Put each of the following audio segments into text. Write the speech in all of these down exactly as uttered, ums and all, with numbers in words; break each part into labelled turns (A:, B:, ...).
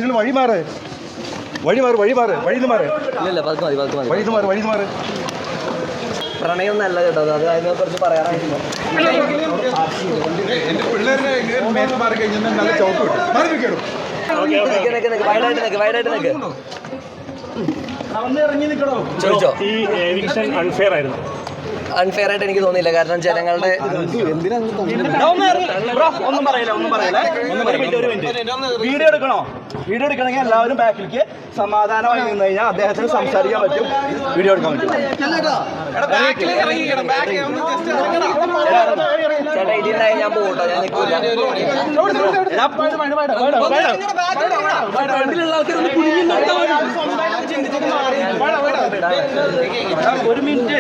A: നിങ്ങൾ വഴി മാറ് വഴി മാറ് വഴി മാറ് വഴിന്ന് മാറ് വഴി മാറ് വഴി മാറ്.
B: പ്രണയം നല്ല കേട്ടോ, അത് അതിനെ കുറിച്ച് പറയാനായിരുന്നു. ചോദിച്ചോ?
C: ഈ എവിക്ഷൻ അൺഫെയർ ആയിരുന്നു.
B: അൺഫെയർ ആയിട്ട് എനിക്ക് തോന്നിയില്ല, കാരണം ജനങ്ങളുടെ
D: ഒന്നും പറയില്ല ഒന്നും പറയില്ല വീഡിയോ എടുക്കണോ? വീഡിയോ എടുക്കണമെങ്കിൽ എല്ലാവരും ബാക്കിലേക്ക് സമാധാനമായി നിന്ന് കഴിഞ്ഞാൽ അദ്ദേഹത്തിന് സംസാരിക്കാൻ പറ്റും, വീഡിയോ എടുക്കാൻ പറ്റും.
B: ചേട്ടാ ഇതിനായി ഞാൻ പോകട്ടോ, ഞാൻ നിൽക്കില്ല.
D: ഒരു മിനിറ്റ്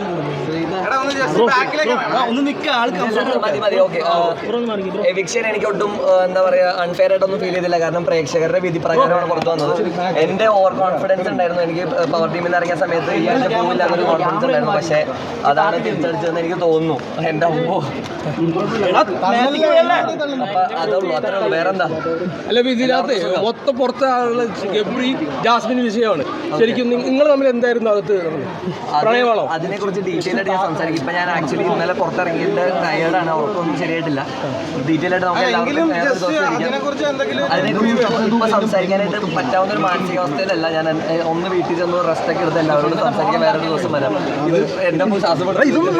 D: ഒന്ന് നിൽക്കുക.
B: മതി മതി ഓക്കെ. എവിക്ഷൻ എനിക്ക് ഒട്ടും എന്താ പറയാ അൺഫെയർ ആയിട്ടൊന്നും ഫീൽ ചെയ്തില്ല, കാരണം പ്രേക്ഷകരുടെ വിധി പ്രകാരമാണ് പുറത്തു വന്നത്. എന്റെ ഓവർ കോൺഫിഡൻസ് ഉണ്ടായിരുന്നു, എനിക്ക് പവർ ടീമിൽ നിന്ന് ഇറങ്ങിയ സമയത്ത് ഈ ആഴ്ച പോവില്ല എന്നൊരു കോൺഫിഡൻസ് ഉണ്ടായിരുന്നു. പക്ഷെ അതാണ് തിരിച്ചടിച്ചതെന്ന് എനിക്ക് തോന്നുന്നു. എന്റെ അമ്മോ അതുള്ളൂ, അത്രേ ഉള്ളൂ, വേറെന്താ.
E: അല്ല ഇതിനകത്ത് മൊത്തം പുറത്തെ ആളുകൾ ഗബ്രി ജാസ്മിൻ വിഷയമാണ്. ശരിക്കും നിങ്ങൾ തമ്മിൽ എന്തായിരുന്നു അകത്ത് പ്രണയമാണോ?
B: അതിനെ കുറിച്ച് ഡീറ്റെയിൽ ആയിട്ട് ഞാൻ സംസാരിക്കും. ഇപ്പൊ ഞാൻ ആക്ച്വലി ഇന്നലെ പുറത്തിറങ്ങിയിട്ട് ടയേർഡാണ്, അവർക്കൊന്നും ശരിയായിട്ടില്ല. ഡീറ്റെയിൽ ആയിട്ട് നമുക്ക് എല്ലാവർക്കും അതിനെക്കുറിച്ച് ഇപ്പൊ സംസാരിക്കാനായിട്ട് പറ്റാവുന്ന ഒരു മാനസികാവസ്ഥയിലല്ല ഞാൻ. ഒന്ന് വീട്ടിൽ ചെന്ന് റെസ്റ്റ് ഒക്കെ എടുത്ത് എല്ലാവരോടും സംസാരിക്കാൻ വേറൊരു ദിവസം വരാം. ഇത് എന്റെ ശ്വാസപ്പെട്ട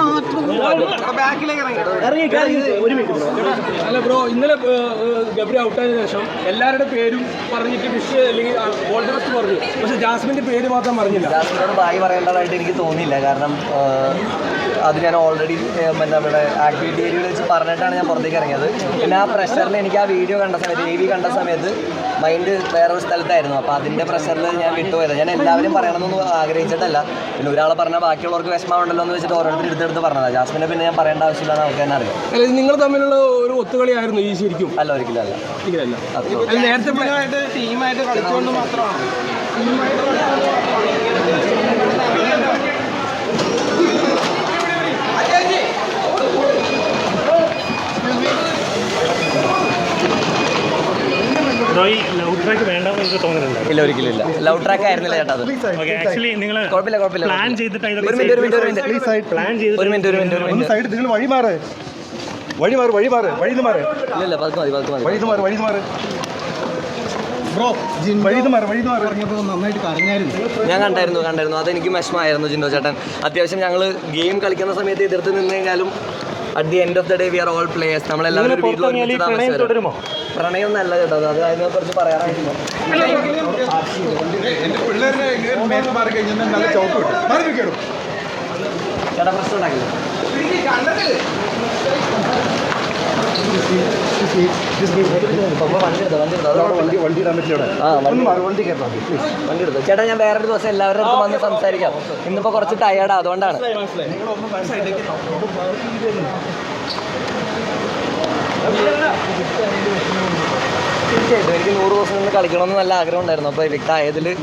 E: അല്ല ബ്രോ, ഇന്നലെ ഗബ്രി ഔട്ടായതിനു ശേഷം എല്ലാവരുടെ പേരും പറഞ്ഞിട്ട് വിഷ് അല്ലെങ്കിൽ ഗോൾഡ് റെസ്റ്റ് പറഞ്ഞു, പക്ഷെ ജാസ്മിന്റെ പേര് മാത്രം പറഞ്ഞില്ല.
B: ജാസ്മിനോട് ബായി പറയേണ്ടതായിട്ട് എനിക്ക് തോന്നിയില്ല, കാരണം അത് ഞാൻ ഓൾറെഡി നമ്മുടെ ആക്ടിവിറ്റി ഏരിയയിൽ വെച്ച് പറഞ്ഞിട്ടാണ് ഞാൻ പുറത്തേക്ക് ഇറങ്ങിയത്. പിന്നെ ആ പ്രഷറിൽ എനിക്ക് ആ വീഡിയോ കണ്ട സമയത്ത് എ വി കണ്ട സമയത്ത് മൈൻഡ് വേറൊരു സ്ഥലത്തായിരുന്നു. അപ്പോൾ അതിൻ്റെ പ്രഷറിൽ ഞാൻ വിട്ടുപോയത്. ഞാൻ എല്ലാവരും പറയണമെന്നൊന്നും ആഗ്രഹിച്ചിട്ടല്ല, പിന്നെ ഒരാളെ പറഞ്ഞാൽ ബാക്കിയുള്ളവർക്ക് വിഷമമുണ്ടല്ലോ എന്ന് വെച്ചിട്ട് ഓരോരുത്തർ എടുത്തെടുത്ത് പറഞ്ഞതാണ്. ജാസ്മിനെ പിന്നെ ഞാൻ പറയേണ്ട ആവശ്യമില്ല, നമുക്ക് തന്നെ അറിയാം.
E: അല്ല നിങ്ങൾ തമ്മിലുള്ള ഒരു ഒത്തുകളിയായിരുന്നു ഈ ശരിക്കും?
B: അല്ല ഒരിക്കലും അല്ല.
E: നേരത്തെ
D: ടീമായിട്ട് കളിച്ചുകൊണ്ട് മാത്രമാണ്.
C: ലവ് ട്രാക്ക് വേണ്ടെന്ന് എനിക്ക് തോന്നുന്നില്ല.
B: ഇല്ല ഒരിക്കലും ഇല്ല, ലവ് ട്രാക്ക് ആയിരുന്നില്ല ചേട്ടാ. അത്
C: ആക്ച്വലി നിങ്ങൾ
B: കുഴപ്പമില്ല കുഴപ്പമില്ല
C: പ്ലാൻ ചെയ്തിട്ട്
B: ഒരു മിനിറ്റ് ഒരു മിനിറ്റ് ഒരു മിനിറ്റ്
C: പ്ലാൻ ചെയ്ത്
B: ഒരു മിനിറ്റ് ഒരു മിനിറ്റ് ഒരു മിനിറ്റ്
A: സൈഡ് നിങ്ങൾ വഴി മാറ് വഴി മാറ് വഴി മാറ് വഴിന്ന് മാറ്
B: ഇല്ല പതുക്കെ മതി പതുക്കെ മതി
A: വഴിന്ന് മാറ് വഴിന്ന് മാറ് ബ്രോ വഴിന്ന് മാറ് വഴിന്ന് മാറ് ഇറങ്ങിയപ്പോൾ നന്നായിട്ട് കരഞ്ഞായിരുന്നു.
B: ഞാൻ കണ്ടായിരുന്നു കണ്ടായിരുന്നു അതെനിക്ക് വിഷമമായിരുന്നു ജിൻഡോ ചേട്ടൻ. അത്യാവശ്യം ഞങ്ങൾ ഗെയിം കളിക്കുന്ന സമയത്ത് എതിർത്ത് നിന്ന് കഴിഞ്ഞാലും at the end of the day we are all players. നമ്മളെല്ലാവരും ഒരു വീട്ടിൽ ഒരുമിച്ച് താമസിച്ചു. പ്രണയം നല്ല കേട്ടോ, അത് അതിനെ കുറിച്ച് പറയാനായിരുന്നു. ചേട്ടാ പ്രശ്നം ഉണ്ടാക്കില്ല. ചേട്ടാ ഞാൻ വേറൊരു ദിവസം എല്ലാവരുടെ അടുത്തും വന്ന് സംസാരിക്കാം. ഇന്നിപ്പോ കുറച്ച് ടയേർഡാ, അതുകൊണ്ടാണ്. തീർച്ചയായിട്ടും എനിക്ക് നൂറ് ദിവസം നിന്ന് കളിക്കണമെന്ന് നല്ല ആഗ്രഹം ഉണ്ടായിരുന്നു. അപ്പോൾ എവിക്ട് ആയതിൽ